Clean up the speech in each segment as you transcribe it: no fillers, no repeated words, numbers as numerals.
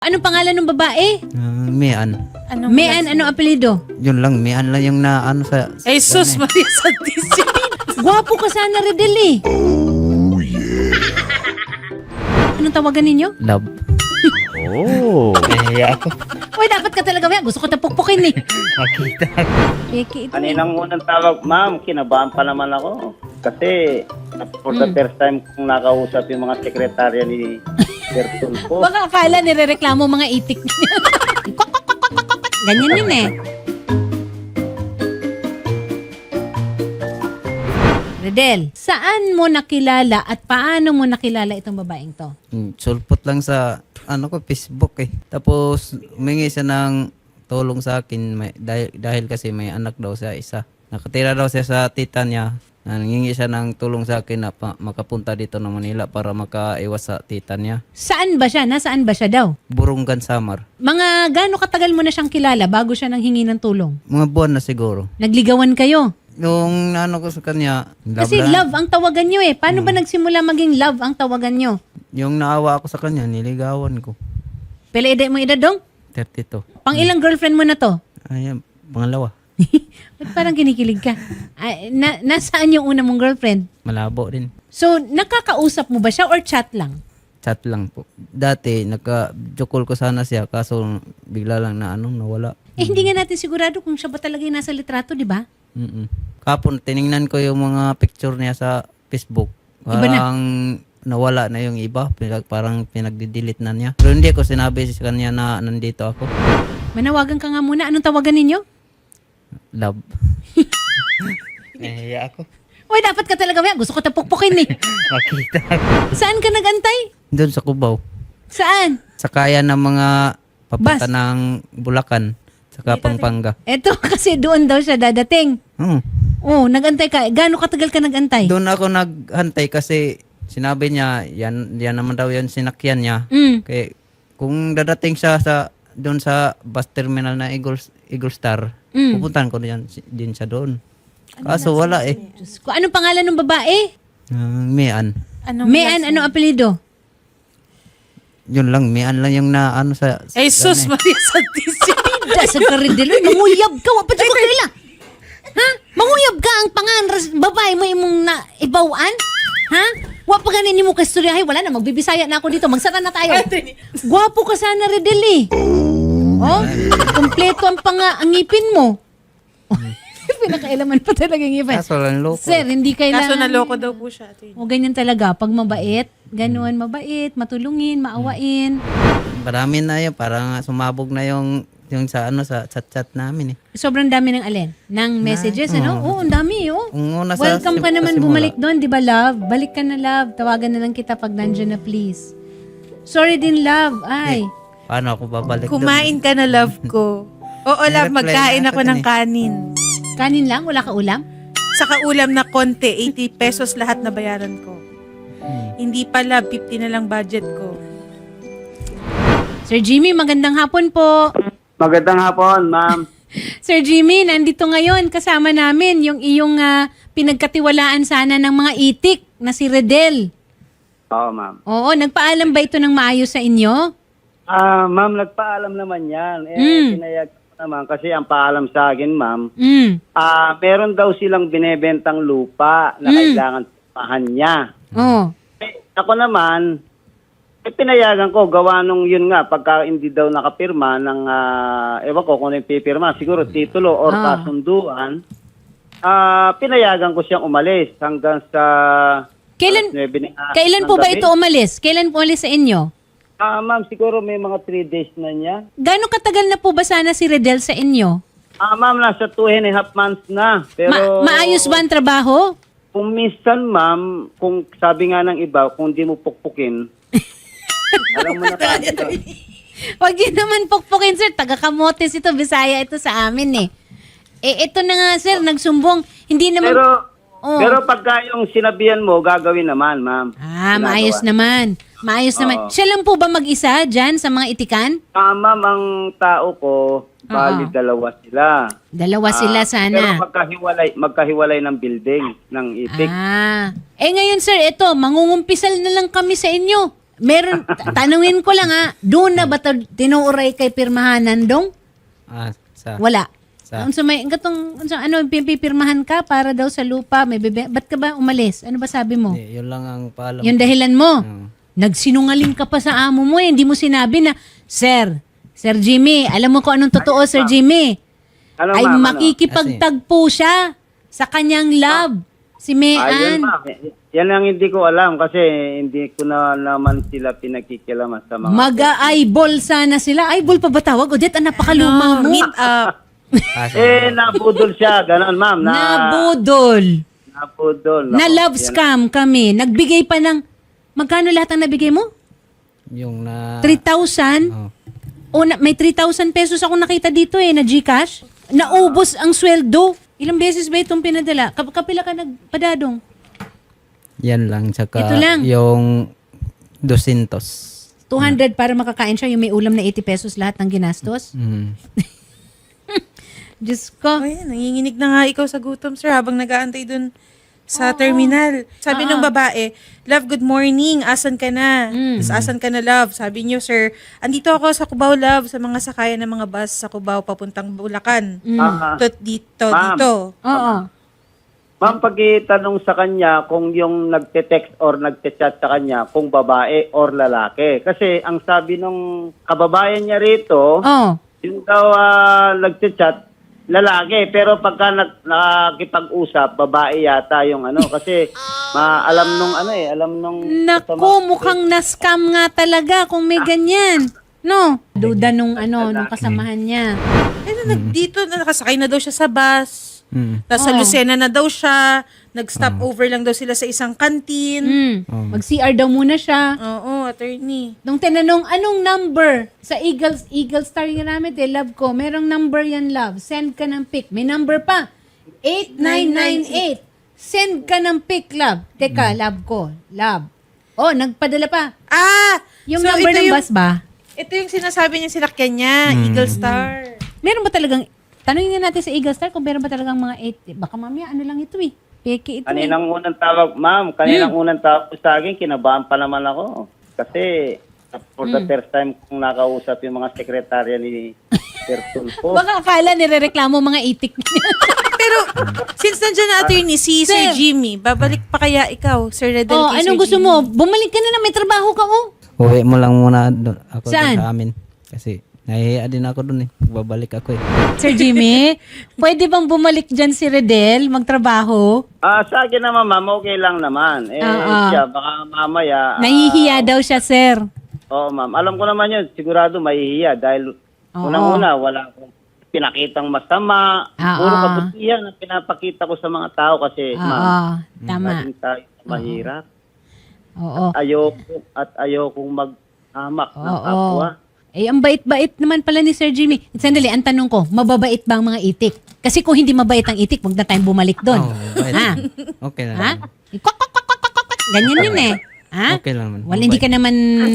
Anong pangalan ng babae? Mian. Mian, ano apelido? Yun lang, Mian lang yung na ano sa... Jesus Maria Santísima. Gwapo ka sana, Redel eh. Anong tawagan ninyo? Love. Oh. Kaya ako. Uy, dapat ka talaga, Mian. Gusto ko tapukpukin eh. Makita. Peke ito eh. Kaninang unang tawag, ma'am, kinabahan pa naman ako. Kasi for the first time kong nakausap yung mga sekretarya ni Sir Tulfo. Baka akala nirereklamo mga itik niya. Ganyan yun eh. Redel, saan mo nakilala at paano mo nakilala itong babaeng to? Sulpot lang sa ano ko, Facebook eh. Tapos humingi siya ng tulong sa akin dahil kasi may anak daw siya isa. Nakatira daw siya sa tita niya. Nangingi siya ng tulong sa akin na makapunta dito na Manila para makaiwas sa tita niya. Saan ba siya? Nasaan ba siya daw? Burungan Samar. Mga gaano katagal mo na siyang kilala bago siya nang hingi ng tulong? Mga buwan na siguro. Nagligawan kayo? Yung ano ko sa kanya, Kasi lang. love ang tawagan nyo eh. Paano ba nagsimula maging love ang tawagan nyo? Yung naawa ako sa kanya, niligawan ko. Pila edad mo edad dong? 32. Pang ilang girlfriend mo na to? Ayan, pangalawa. Ba't parang kinikilig ka? Nasaan yung una mong girlfriend? Malabo din. So, nakakausap mo ba siya or chat lang? Chat lang po. Dati, naka-jokol ko sana siya, kaso bigla lang na nawala. Eh, hindi nga natin sigurado kung siya ba talaga yung nasa litrato, di ba? Kapon, tiningnan ko yung mga picture niya sa Facebook. Iba na. Parang nawala na yung iba. Parang pinagdi-delete na niya. Pero hindi ko sinabi sa kanya na nandito ako. Manawagan ka nga muna. Anong tawagan ninyo? Love. Nahiya ako. Uy, dapat ka talaga. Gusto ko tapukpukin eh. Makita. Saan ka nagantay? Doon sa Cubao. Saan? Sa kaya ng mga papunta Bus. ng Bulacan. Saka Pampanga. Eto, kasi doon daw siya dadating. Oh, nagantay ka. Gaano katagal ka nagantay? Doon ako naghantay kasi sinabi niya, yan naman daw yung sinakyan niya. Kaya kung dadating siya doon sa bus terminal na Eagle Star, pupuntahan ko din siya doon. Kaso wala eh. Diyos ko, anong pangalan ng babae? Mian. Mian, ano apelido? Yun lang, Mian lang yung na ano sa... Jesus ano eh. Maria Santísima. Dasal ka rin dilo. Manguyab ka. Wapat ko kaila. Ha? Manguyab ka ang babae mo imong na ibawaan? Ha? Wapa ganin mo kasturyahay. Wala na, magbibisaya na ako dito. Magsara na tayo. Gwapo ka sana, Redel eh. Oh, kompleto ang ang ngipin mo. Pinakailaman pa talaga yung ngipin. Kaso lang loko. Sir, hindi Kaso kailangan. naloko daw po siya. O ganyan talaga. Pag mabait, ganuan mabait, matulungin, maawain. Marami na yun, parang sumabog na yung sa sa chat-chat namin eh. Sobrang dami ng alin? Ng messages, ano? Oo, ang dami, oh. Ang una Welcome ka naman simula. bumalik doon, di ba, love? Balik ka na, love. Tawagan na lang kita pag nandyan na, please. Sorry din, love. Ay. Paano ako babalik doon? Kumain ka na, love ko. Oo, love, May reply magkain na ako ako ng dun eh. kanin. Kanin lang? Wala ka ulam? Saka ulam na konti, 80 pesos lahat na bayaran ko. Hindi pa, love, 50 na lang budget ko. Sir Jimmy, magandang hapon po. Magandang hapon, ma'am. Sir Jimmy, nandito ngayon kasama namin yung iyong pinagkatiwalaan sana ng mga itik na si Redel. Oo, ma'am. Oo, nagpaalam ba ito ng maayos sa inyo? Ma'am, nagpaalam naman yan. Pinayag ko naman kasi ang paalam sa akin, ma'am, meron daw silang binebentang lupa na kailangan pahan niya. Oo. Ako naman, pinayagan ko, gawa nung yun nga, pagka hindi daw nakapirma ng, ewan ko kung ano yung pipirma, siguro titulo or kasunduan, pinayagan ko siyang umalis hanggang sa... Kailan po ba ito umalis? Kailan po umalis sa inyo? Ma'am, siguro may mga 3 days na niya. Gaano katagal na po ba sana si Redel sa inyo? Ma'am, nasa 2.5 months na. Pero Maayos ba ang trabaho? kung minsan, ma'am, kung sabi nga ng iba, kung di mo pukpukin, alam mo na kagad. Huwag yun naman pukpukin, sir. Taga-Camotes ito, Bisaya ito sa amin eh. Ito na nga, sir, nagsumbong. Hindi naman... Pero pagka yung sinabihan mo, gagawin naman, ma'am. Maayos naman. Maayos naman. Siya lang po ba mag-isa dyan sa mga itikan? Ma'am, ang tao ko, bali dalawa sila. Dalawa sila sana. Pero magkahiwalay ng building, ng itik. Ngayon, sir, ito, mangungumpisal na lang kami sa inyo. Meron, tanungin ko lang doon na ba tinuuray kay pirmahanan dong? Wala. Unsa may pipirmahan ka para daw sa lupa, may bebe. Ba't ka ba umalis? Ano ba sabi mo? Yun lang ang paalam. Yung dahilan mo. Oo. Nagsinungaling ka pa sa amo mo hindi mo sinabi na, Sir Jimmy, alam mo kung anong totoo, Sir Jimmy? Ano, Ay ma'am, ano? makikipagtagpo siya sa kanyang love, si Ayun, Mean. ma'am. Yan ang hindi ko alam kasi hindi ko na naman sila pinagkikilaman sa mga... Mag-eyeball sana sila. Eyeball pa ba tawag? Odette, ang napakaluma mo. Meet up. nabudol siya. Ganon, ma'am. Nabudol. Nabudol. Na Nako, love yan. scam kami. Nagbigay pa ng, magkano lahat ang nabigay mo? Yung na... 3,000? Oh. May 3,000 pesos ako nakita dito na Gcash. Naubos ang sweldo. Ilang beses ba itong pinadala? Kapila ka nagpadadong? Yan lang. Tsaka Ito lang. yung 200. 200 para makakain siya, yung may ulam na 80 pesos lahat ng ginastos. Mm. Diyos ko. Ayan, nanginginig na nga ikaw sa gutom, sir, habang nag-aantay dun sa terminal. Sabi ng babae, love, good morning. Asan ka na? Tapos, asan ka na, love? Sabi niyo, sir, andito ako sa Cubao, love, sa mga sakayan ng mga bus sa Cubao papuntang Bulacan. Dito. Ma'am. Oo. Ma'am, pagkitanong sa kanya kung yung nagte-text or nagte-chat sa kanya kung babae or lalaki. Kasi ang sabi nung kababayan niya rito, Oh. yung daw nagte-chat, lalaki. Pero pagka nakikipag-usap, babae yata yung kasi alam nung... Naku, mukhang na-scam nga talaga kung may ganyan. No? Duda nung kasamahan niya. Dito, nakasakay na daw siya sa bus. Tapos sa Lucena na daw siya. Nag-stop over lang daw sila sa isang kantin. Mag-CR daw muna siya. Oo, attorney. Nung tinanong, anong number? Sa Eagle Star yung namin, love ko. Merong number yan, love. Send ka ng pic. May number pa. 8998. Send ka ng pic, love. Teka, love ko. Love. Oh, nagpadala pa. Yung so number ito ng yung- bus ba? Ito yung sinasabi niya sinakyan niya, Eagle Star. Meron ba talagang, tanongin nga natin sa Eagle Star kung meron ba talagang mga 8. Baka mamaya, ano lang ito Peke ito Kaninang unang tawag, ma'am, unang tawag ko sa akin, kinabahan pa naman ako. Kasi for the first time kong nakausap yung mga sekretarya ni Sir Tulfo. Baka akala nirereklamo mga itik. Pero, since nandiyan na attorney si Sir Sir. Jimmy, babalik pa kaya ikaw, Sir Redel, Oh, kay anong Sir gusto Jimmy? mo? Bumalik ka na may trabaho ka Uwi mo lang muna ako Saan? dun sa amin. Kasi nahihiya din ako dun Babalik ako Sir Jimmy, pwede bang bumalik dyan si Redel magtrabaho? Sa akin naman, ma'am, okay lang naman. Siya, baka mamaya... Nahihiya daw siya, sir. Oo, ma'am. Alam ko naman yun, sigurado mahihiya dahil unang-una, wala akong pinakitang masama. Puro kabutihan ang pinapakita ko sa mga tao kasi, ma'am, Tama. laging tayo mahirap. Oo. At ayokong maghamak ng Oo. kapwa. Ang bait-bait naman pala ni Sir Jimmy. Sandali, ang tanong ko, mababait ba ang mga itik? Kasi kung hindi mabait ang itik, huwag na tayong bumalik doon. mabait. Ha? Okay lang. Ha? Kwak, kwak, kwak, kwak, kwak, kwak. Ganyan yun Ha? Okay lang naman. Wala, hindi ka naman...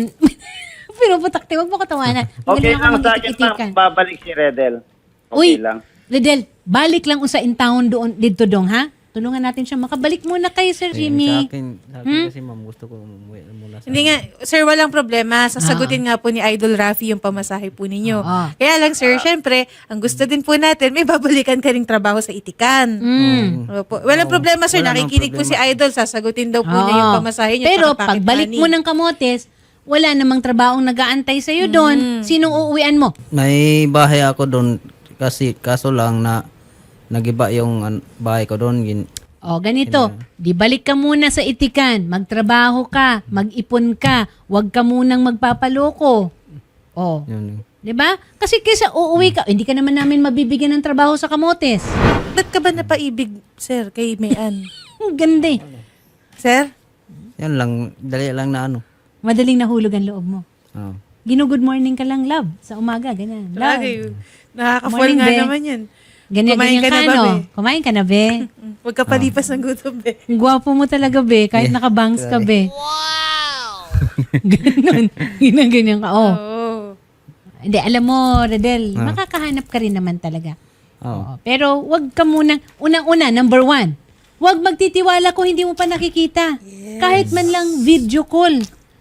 Pinuputakti, huwag mo katawanan. Okay lang sa akin, mag-itik-itikan. ma'am, babalik si Redel. Okay Uy, lang. Redel, balik lang sa in town doon, dito dong, ha? Tulungan natin siya. Makabalik muna kayo, Sir Sa Jimmy. akin kasi ma'am, gusto ko umuwi muna sa Hindi nga, sir, walang problema. Sasagutin nga po ni Idol Rafi yung pamasahe po ninyo. Oo. Kaya lang, sir, syempre, ang gusto din po natin, may babalikan ka ring trabaho sa itikan. Opo. Walang problema, sir. Wala nang Nakikinig po si Idol. Sasagutin daw po niya yung pamasahe niya. Pero tsaka pocket pagbalik money. mo ng Kamotes, wala namang trabahong nag-aantay sa'yo doon. Sinong uuwian mo? May bahay ako doon kasi kaso lang na nagiba yung bahay ko doon. O, ganito. Di balik ka muna sa itikan. Magtrabaho ka. Mag-ipon ka. Huwag ka munang magpapaloko. O. Yun. Di ba? Kasi kaysa uuwi ka, hindi ka naman namin mabibigyan ng trabaho sa Kamotes. Ba't ka ba napaibig, sir, kay Mayan? Ang ganda eh. Sir? Yan lang, dali lang na Madaling nahulog ang loob mo. Oh. Gino-good morning ka lang, love. Sa umaga, ganyan. Love. Lagi. Nakaka-fall Morning, nga be. naman yan. Ganyan, Kumain ganyan ka ka, na ba, no? be? Kumain ka na, be? Huwag ka palipas ng gutom, be. Ang gwapo mo talaga, be. Kahit nakabangs ka, be. Wow! Ganon. Ganyan ka. Oh. Oo. Hindi, alam mo, Redel, makakahanap ka rin naman talaga. Oh. Oo. Pero wag ka munang, unang-una, number 1, wag magtitiwala kung hindi mo pa nakikita. Kahit man lang video call.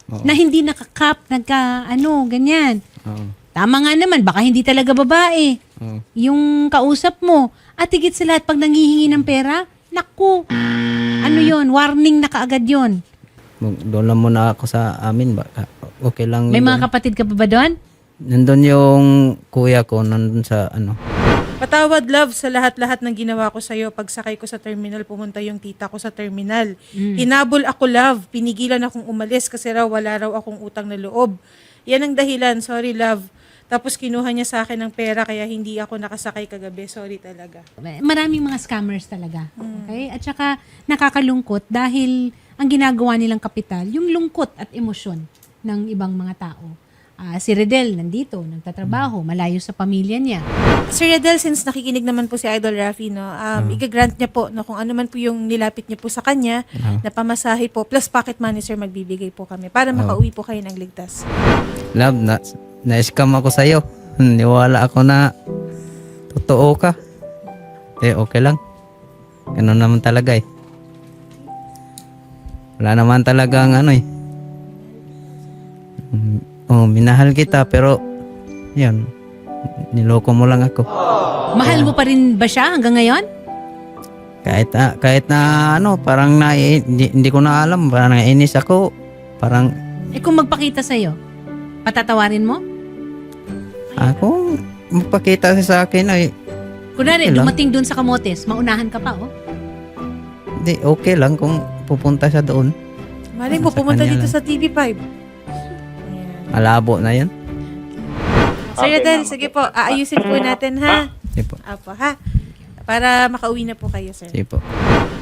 Oo. Na hindi nakakap, ganyan. Oo. Tama nga naman, baka hindi talaga babae. Oo. Yung kausap mo. At higit sa lahat, pag nanghihingi ng pera, naku, yon, warning na kaagad yon. Doon lang muna ako sa amin. Okay lang. May doon. mga kapatid ka pa ba doon? Nandun yung kuya ko, nandun sa Patawad, love, sa lahat-lahat ng ginawa ko sa'yo. Pagsakay ko sa terminal, pumunta yung tita ko sa terminal. Hinabol ako, love. Pinigilan akong umalis kasi wala raw akong utang na loob. Yan ang dahilan. Sorry, love. Tapos kinuha niya sa akin ng pera kaya hindi ako nakasakay kagabi. Sorry talaga. Maraming mga scammers talaga. Okay? At saka nakakalungkot dahil ang ginagawa nilang kapital, yung lungkot at emosyon ng ibang mga tao. Si Redel nandito, nagtatrabaho, malayo sa pamilya niya. Sir Redel, since nakikinig naman po si Idol Rafi, no, igagrant niya po no, kung ano man po yung nilapit niya po sa kanya, na pamasahe po, plus pocket money, sir, magbibigay po kami para makauwi po kayo ng ligtas. love, na-scam ako sa'yo. Niwala ako na totoo ka. Okay lang. Ganun naman talaga Wala naman talagang minahal kita pero yun, niloko mo lang ako. Mahal mo pa rin ba siya hanggang ngayon? Kahit na parang hindi ko na alam, parang nainis ako. Parang Kung magpakita sa'yo, patatawarin mo? ako magpakita siya sa akin Kunwari, Okay lang. dumating dun sa Kamotes, maunahan ka pa, Hindi, okay lang kung pupunta siya doon. Malay mo, Sa pumunta kanya dito lang. sa TV5. Malabo na yun. Sir Redel, sige po, aayusin po natin, ha? Sige po. Apo, ha? Para makauwi na po kayo, sir. Sige po.